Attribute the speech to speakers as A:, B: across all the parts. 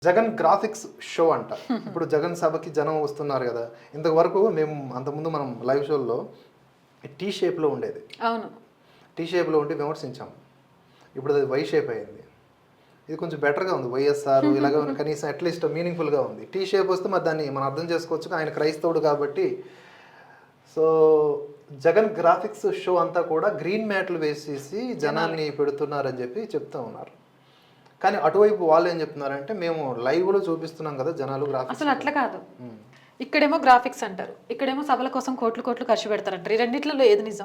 A: Jagan graphics show అంట. ఇప్పుడు జగన్ సభకి జనం వస్తున్నారు కదా. ఇంతవరకు మేము అంతకుముందు మనం లైవ్ షోల్లో టీ షేప్లో ఉండేది.
B: అవును,
A: టీ షేప్లో ఉండి విమర్శించాం. ఇప్పుడు అది వై షేప్ అయింది. ఇది కొంచెం బెటర్గా ఉంది. వైఎస్ఆర్ ఇలాగ కనీసం అట్లీస్ట్ మీనింగ్ఫుల్గా ఉంది. టీ షేప్ వస్తే మరి దాన్ని మనం అర్థం చేసుకోవచ్చు. ఆయన క్రైస్తవుడు కాబట్టి. సో జగన్ గ్రాఫిక్స్ షో అంతా కూడా గ్రీన్ మ్యాట్లు వేసేసి జనాన్ని పెడుతున్నారని చెప్పి చెప్తూ ఉన్నారు. కానీ అటువైపు వాళ్ళు ఏం చెప్తున్నారంటే మేము లైవ్లో చూపిస్తున్నాం కదా జనాలు గ్రాఫిక్స్.
B: అసలు అట్లా కాదు. ఇక్కడేమో గ్రాఫిక్స్ అంటారు, ఇక్కడేమో సభల కోసం కోట్లు కోట్లు ఖర్చు పెడతారంటారు. ఈ రెండిట్లలో ఏది నిజం?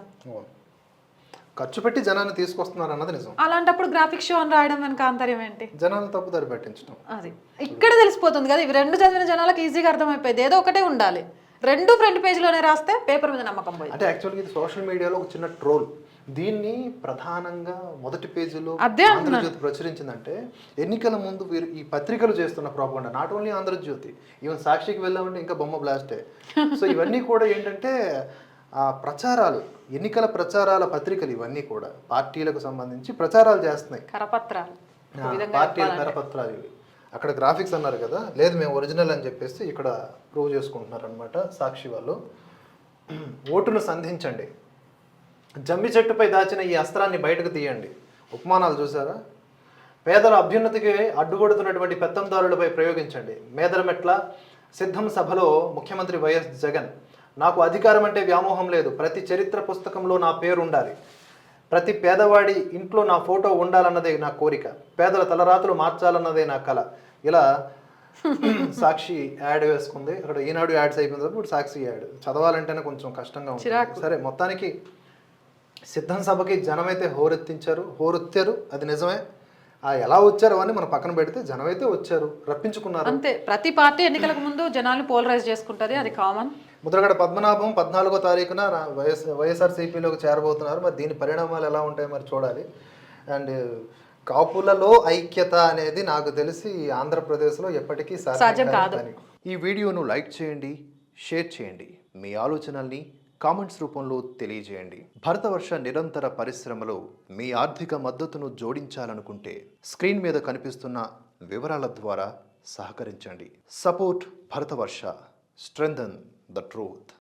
A: ఖర్చు పెట్టి జనాన్ని తీసుకొస్తున్నారు అన్నది నిజం.
B: అలాంటప్పుడు గ్రాఫిక్స్ షో అని రాయడం వెనక ఆంతర్యం ఏంటి?
A: జనాలను తప్పుదారి పట్టించడం.
B: అది ఇక్కడ తెలిసిపోతుంది కదా. ఇవి రెండు చదివిన జనాలకు ఈజీగా అర్థమైపోయింది. ఏదో ఒకటే ఉండాలి. రెండు ఫ్రంట్ పేజీలోనే రాస్తే పేపర్ మీద నమ్మకం పోయింది.
A: అంటే యాక్చువల్గా ఇది సోషల్ మీడియాలో ఒక చిన్న ట్రోల్. దీన్ని ప్రధానంగా మొదటి పేజీలో ఆంధ్రజ్యోతి ప్రచురించిందంటే ఎన్నికల ముందు వీరు ఈ పత్రికలు చేస్తున్న propaganda. Not only Andhra Jyothi, even సాక్షికి వెళ్ళామంటే ఇంకా బొమ్మ బ్లాస్టే. సో ఇవన్నీ కూడా ఏంటంటే ప్రచారాలు, ఎన్నికల ప్రచారాల పత్రికలు ఇవన్నీ కూడా పార్టీలకు సంబంధించి ప్రచారాలు చేస్తున్నాయి.
B: కరపత్రాలు,
A: పార్టీల కరపత్రాలు ఇవి. అక్కడ గ్రాఫిక్స్ అన్నారు కదా, లేదు మేము ఒరిజినల్ అని చెప్పేసి ఇక్కడ ప్రూవ్ చేసుకుంటున్నారు అనమాట సాక్షి వాళ్ళు. ఓటును సంధించండి, జమ్మి చెట్టుపై దాచిన ఈ అస్త్రాన్ని బయటకు తీయండి. ఉపమానాలు చూసారా? పేదల అభ్యున్నతికి అడ్డుకొడుతున్నటువంటి పెత్తందారులపై ప్రయోగించండి. మేదరమెట్ల సిద్ధం సభలో ముఖ్యమంత్రి వైఎస్ జగన్, నాకు అధికారం అంటే వ్యామోహం లేదు, ప్రతి చరిత్ర పుస్తకంలో నా పేరు ఉండాలి, ప్రతి పేదవాడి ఇంట్లో నా ఫోటో ఉండాలన్నదే నా కోరిక, పేదల తలరాతులు మార్చాలన్నదే నా కళ. ఇలా సాక్షి యాడ్ వేసుకుంది. అక్కడ ఈనాడు యాడ్స్ అయిపోయింది, ఇప్పుడు సాక్షి యాడ్. చదవాలంటేనే కొంచెం కష్టంగా ఉంది. సరే, మొత్తానికి సిద్ధం సభకి జనమైతే హోరెత్తారు, అది నిజమే. ఎలా వచ్చారు అని మనం పక్కన పెడితే జనమైతే వచ్చారు, రప్పించుకున్నారు.
B: అంతే. ప్రతి పార్టీ ఎన్నికలకు ముందు జనాల్ని పోలరైజ్ చేసుకుంటుంది, అది కామన్.
A: ముద్రగడ పద్మనాభం 14వ తారీఖున వైఎస్ఆర్సీపీలోకి చేరబోతున్నారు. మరి దీని పరిణామాలు ఎలా ఉంటాయి మరి చూడాలి. అండ్ కాపులలో ఐక్యత అనేది నాకు తెలిసి ఆంధ్రప్రదేశ్లో ఎప్పటికీ సాధ్యం కాదు. ఈ వీడియోను లైక్ చేయండి, షేర్ చేయండి, మీ ఆలోచనల్ని కామెంట్స్ రూపంలో తెలియజేయండి. భరతవర్ష నిరంతర పరిశ్రమలో మీ ఆర్థిక మద్దతును జోడించాలనుకుంటే స్క్రీన్ మీద కనిపిస్తున్న వివరాల ద్వారా సహకరించండి. Support Bharatavarsha, strengthen the truth.